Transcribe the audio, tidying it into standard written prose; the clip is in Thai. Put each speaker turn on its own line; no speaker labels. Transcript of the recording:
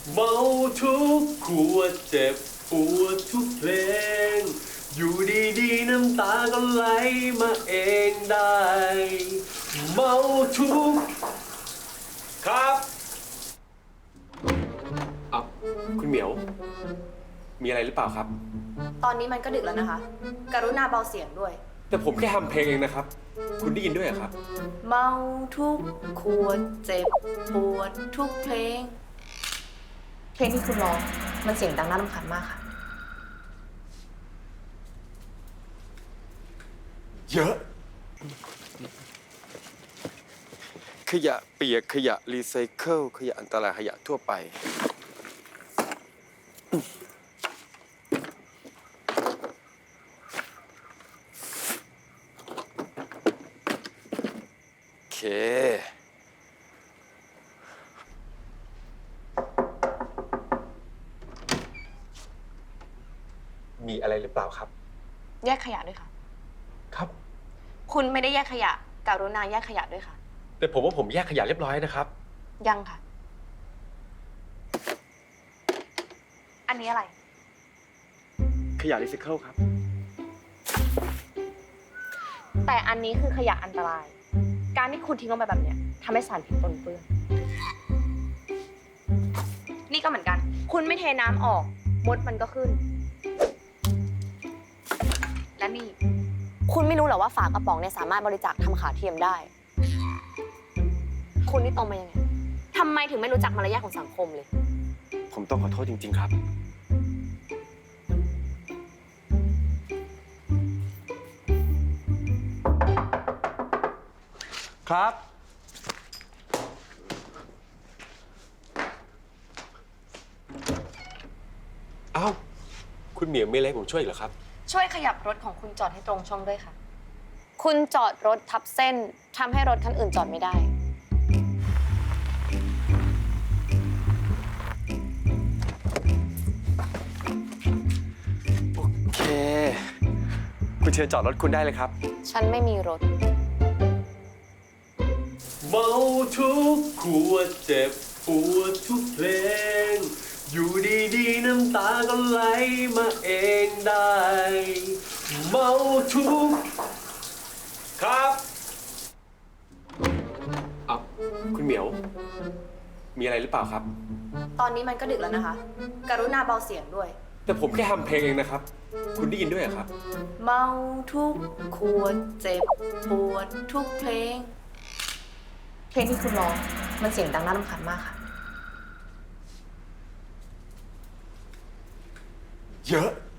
เมาทุกขวดเจ็บปวดทุกเพลงอยู่ดีๆน้ำตาก็ไหลมาเองได้เมาทุกครับคุณเหมียวมีอะไรหรือเปล่าครับ
ตอนนี้มันก็ดึกแล้วนะคะ กรุณาเบาเสียงด้วย
แต่ผมแค่ทำเพลงเองนะครับคุณได้ยินด้วยเหรอครับ
เมาทุกขวดเจ็บปวดทุกเพลง เพลงที่คุณร้องมันเสียงดังน่ารำคาญมากค่ะ
เยอะขยะเปียกขยะรีไซเคิลขยะอันตรายขยะทั่วไปโอเคมีอะไรหรือเปล่าครับ
แยกขยะด้วยค่ะ
ครับ
คุณไม่ได้แยกขยะ กรุณาแยกขยะด้วยค่ะ
แต่ผมว่าผมแยกขยะเรียบร้อยนะครับ
ยังค่ะ อันนี้อะไร
ขยะรีไซเคิลครับ
แต่อันนี้คือขยะอันตราย การที่คุณทิ้งลงไปแบบเนี้ยทำให้สารพิษปนเปื้อน นี่ก็เหมือนกัน คุณไม่เทน้ำออก มดมันก็ขึ้น และนี่ คุณไม่รู้เหรอว่าฝากระป๋องเนี่ยสามารถบริจาคทำขาเทียมได้ คุณนี่โตมายังไงทำไมถึงไม่รู้จักมารยาทของสังคมเลย
ผมต้องขอโทษจริงๆครับ ครับ เอ้า คุณเหมียวมีอะไรให้ผมช่วยอีกเหรอครับ
ช่วยขยับรถของคุณจอดให้ตรงช่องด้วยค่ะ คุณจอดรถทับเส้นทำให้รถคันอื่นจอดไม่ได้
โอเค คุณเชิญจอดรถคุณได้เลยครับ
ฉันไม่มีรถ
เมาทุกขวดเจ็บปวดทุกเพลงอยู่ดีๆน้ำตาก็ไหลมาเองได้เมาทุกครับคุณเหมียว มีอะไรหรือเปล่าครับ
ตอนนี้มันก็ดึกแล้วนะคะ กรุณาเบาเสียงด้วย
แต่ผมแค่ทำเพลงเองนะครับ คุณได้ยินด้วยเหรอครับ
เมาทุกขวดเจ็บปวดทุกเพลง เพลงที่คุณร้องมันเสียงดังน่ารำคาญมากค่ะ
เยอะ